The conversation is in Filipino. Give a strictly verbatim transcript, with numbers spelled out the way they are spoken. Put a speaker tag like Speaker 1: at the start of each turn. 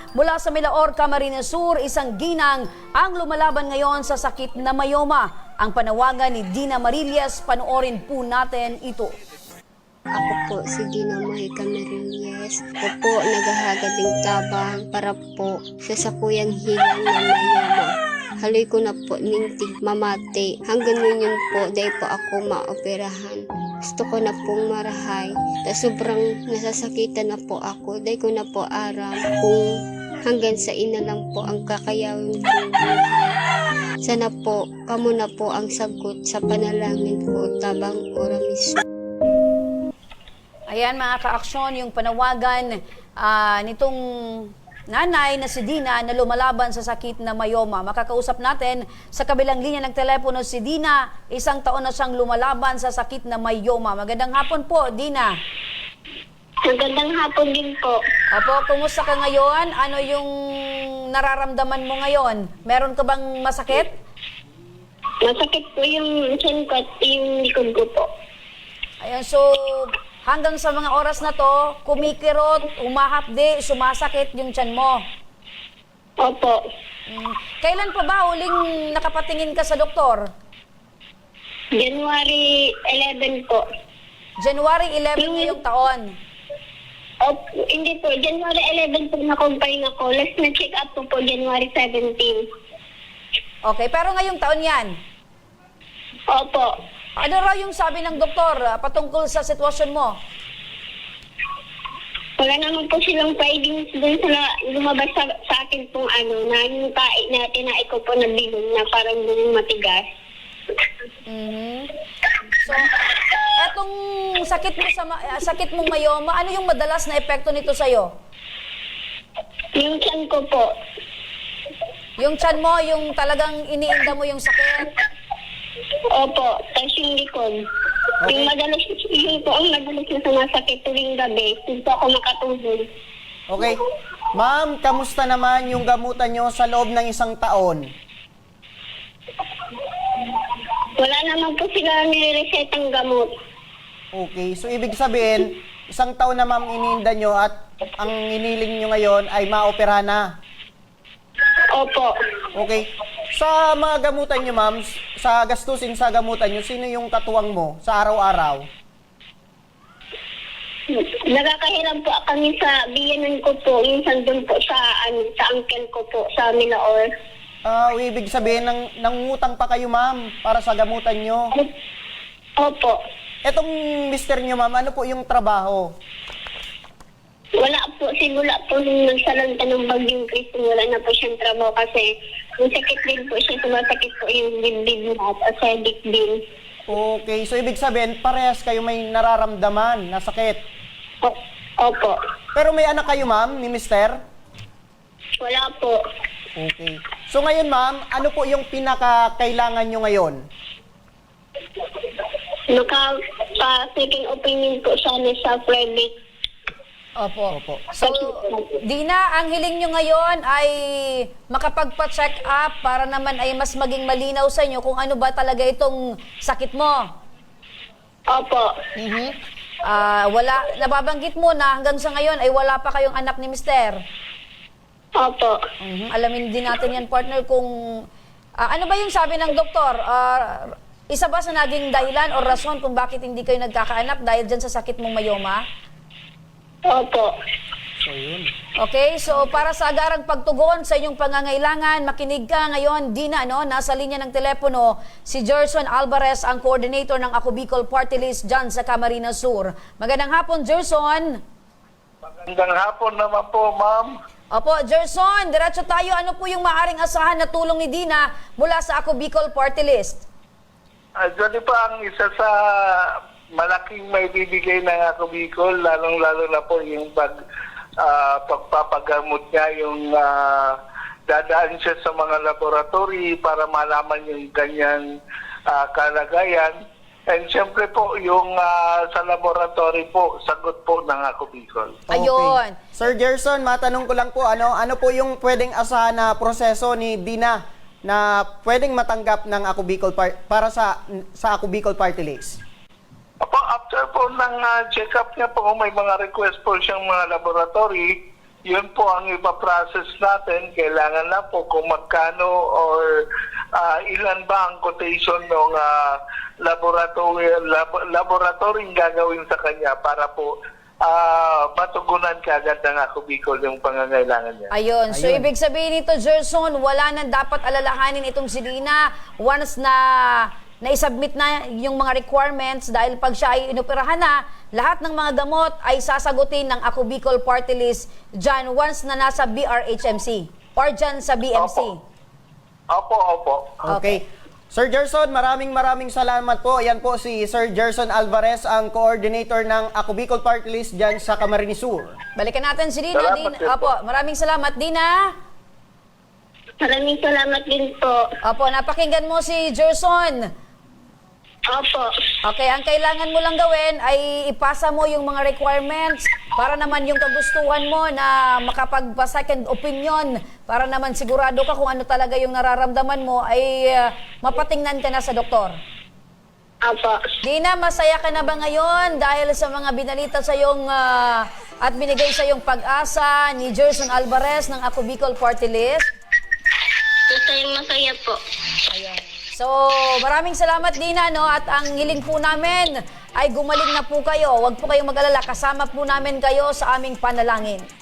Speaker 1: mula sa Milaor, Camarines Sur, isang ginang ang lumalaban ngayon sa sakit na mayoma. Ang panawagan ni Dina Marillas, panoorin po natin ito.
Speaker 2: Ako po si Dina Mojica Marillas. Ako po naghahagad ng tabang para po sa sakuyang hilang na mayoma. Haloy ko na po ning tigmamati. Hanggang ngayon po, dahil po ako maoperahan. Gusto ko na pong marahay. Ta sobrang nasasakitan na po ako. Dahil ko na po aram kung hanggang sa ina lang po ang kakayawin kong buhay. Sana po, kamo na po ang sagot sa panalangin ko, tabang oramiso.
Speaker 1: Ayan mga ka-aksyon, yung panawagan uh, nitong nanay na si Dina na lumalaban sa sakit na mayoma. Makakausap natin sa kabilang linya ng telepono si Dina. Isang taon na siyang lumalaban sa sakit na mayoma. Magandang hapon po, Dina.
Speaker 2: Magandang hapon din po.
Speaker 1: Apo, kumusta ka ngayon? Ano yung nararamdaman mo ngayon? Meron ka bang masakit?
Speaker 2: Masakit po yung chin ko at yung likod ko po.
Speaker 1: Ayan, so hanggang sa mga oras na to, kumikirot, umahapdi, sumasakit yung tiyan mo.
Speaker 2: Opo.
Speaker 1: Hmm. Kailan pa ba huling nakapatingin ka sa doktor?
Speaker 2: January eleventh po.
Speaker 1: January eleventh
Speaker 2: Yung-
Speaker 1: ngayong taon.
Speaker 2: Opo, hindi po. January eleventh po na-confine ako. Last na check up po po January seventeenth.
Speaker 1: Okay, pero ngayong taon yan.
Speaker 2: Opo.
Speaker 1: Ano raw yung sabi ng doktor ah, patungkol sa sitwasyon mo?
Speaker 2: Wala naman po silang findings dun sa na- lumabas sa, sa akin pong ano, na yung tae na tinai ko po na bilong na parang yung matigas.
Speaker 1: Mhm. So, etong sakit mo sa ma- ah, sakit mong mayoma, ano yung madalas na epekto nito sa iyo?
Speaker 2: Yung tiyan ko po.
Speaker 1: Yung tiyan mo, yung talagang iniinda mo yung sakit.
Speaker 2: Opo, tapos yung likod. Yung madalas, yung po ang madalas na sumasakit tuwing gabi, hindi po ako makatulog.
Speaker 3: Okay. Ma'am, kamusta naman yung gamutan nyo sa loob ng isang taon?
Speaker 2: Wala naman po sila nire-resetang gamot.
Speaker 3: Okay. So, ibig sabihin, isang taon na ma'am iniinda nyo at ang iniling nyo ngayon ay maopera na.
Speaker 2: Opo.
Speaker 3: Okay. Sa mga gamutan nyo, ma'am, sa gastusin sa gamutan nyo, sino yung katuwang mo sa araw-araw?
Speaker 2: Nakakahiram po kami sa biyanan ko po, minsan doon po sa, ano, sa uncle ko po, sa Milaor.
Speaker 3: Ah, ibig sabihin, nang, nangungutang pa kayo, ma'am, para sa gamutan nyo.
Speaker 2: Opo.
Speaker 3: Etong mister nyo, ma'am, ano po yung trabaho?
Speaker 2: Wala po, simula po nung nagsalanta ng bagyong Kristo, wala na po siyang trabaho kasi yung sakit din po siya, sumasakit po yung dibdib niya at acidic din.
Speaker 3: Okay. So, ibig sabihin, parehas kayo may nararamdaman na sakit.
Speaker 2: O- Opo.
Speaker 3: Pero may anak kayo, ma'am, ni mister?
Speaker 2: Wala po.
Speaker 3: Okay. So ngayon, ma'am, ano po yung pinakakailangan nyo ngayon?
Speaker 2: Naka-second opinion po sana sa private.
Speaker 1: Opo.
Speaker 3: Opo.
Speaker 1: So, Dina, ang hiling nyo ngayon ay makapagpa-check up para naman ay mas maging malinaw sa inyo kung ano ba talaga itong sakit mo.
Speaker 2: Opo.
Speaker 1: Mhm. Ah, wala, nababanggit mo na hanggang sa ngayon ay wala pa kayong anak ni mister.
Speaker 2: Opo.
Speaker 1: Mhm. Alamin din natin yan, partner, kung ah, ano ba yung sabi ng doktor? Ah, isa ba sa naging dahilan o rason kung bakit hindi kayo nagkakaanak dahil dyan sa sakit mong mayoma?
Speaker 2: Opo.
Speaker 3: So yun.
Speaker 1: Okay, so para sa agarang pagtugon sa inyong pangangailangan, makinig ka ngayon, Dina, no? Nasa linya ng telepono si Gerson Alvarez, ang coordinator ng Ako Bicol Party List dyan sa Camarines Sur. Magandang hapon, Gerson.
Speaker 4: Magandang hapon naman po, ma'am.
Speaker 1: Opo, Gerson, diretso tayo. Ano po yung maaring asahan na tulong ni Dina mula sa Ako Bicol Party List?
Speaker 4: Actually pa ang isa sa malaking may bibigay ng ako Bicol, lalong-lalo na po yung pag, ah, pagpapagamot niya, yung ah, dadaan siya sa mga laboratory para malaman yung kanyang ah, kalagayan. And siyempre po, yung ah, sa laboratory po, sagot po ng ako Bicol.
Speaker 1: Ayun.
Speaker 3: Sir Gerson, matanong ko lang po, ano ano po yung pwedeng asahan na proseso ni Dina na pwedeng matanggap ng Ako Bicol Par- para sa sa Ako Bicol Party List?
Speaker 4: Apo, after po ng ah, check-up niya po, may mga request po siyang mga laboratory. yun po ang ipaprocess natin. Kailangan na po kung magkano or ah, ilan ba ang quotation ng uh, laboratory, lab, laboratory gagawin sa kanya para po ah, matugunan kaagad ng Ako Bicol yung pangangailangan niya.
Speaker 1: Ayun. So,
Speaker 3: Ayun.
Speaker 1: ibig sabihin nito, Gerson, wala nang dapat alalahanin itong si Dina once na na-submit na yung mga requirements dahil pag siya ay inoperahan na, lahat ng mga gamot ay sasagutin ng Ako Bicol Party List dyan once na nasa B R H M C or dyan sa B M C.
Speaker 4: Opo. Opo, opo.
Speaker 3: Okay. Sir Gerson, maraming maraming salamat po. Yan po si Sir Gerson Alvarez, ang coordinator ng Ako Bicol Party List dyan sa Camarines Sur.
Speaker 1: Balikan natin si Dina.
Speaker 4: Salamat
Speaker 1: Dina.
Speaker 4: din po.
Speaker 1: Opo, maraming salamat, Dina.
Speaker 2: Maraming salamat din po.
Speaker 1: Opo, napakinggan mo si Gerson.
Speaker 2: Opo.
Speaker 1: Okay, ang kailangan mo lang gawin ay ipasa mo yung mga requirements para naman yung kagustuhan mo na makapagpa-second opinion para naman sigurado ka kung ano talaga yung nararamdaman mo ay uh, mapatingnan ka na sa doktor.
Speaker 2: Opo.
Speaker 1: Dina, masaya ka na ba ngayon dahil sa mga binalita sa yung at binigay sa yung pag-asa ni Gerson Alvarez ng Ako Bicol Party List?
Speaker 2: Masayang masaya po.
Speaker 1: Ayun. So, maraming salamat, Dina, no? At ang hiling po namin ay gumaling na po kayo. Huwag po kayong mag-alala. Kasama po namin kayo sa aming panalangin.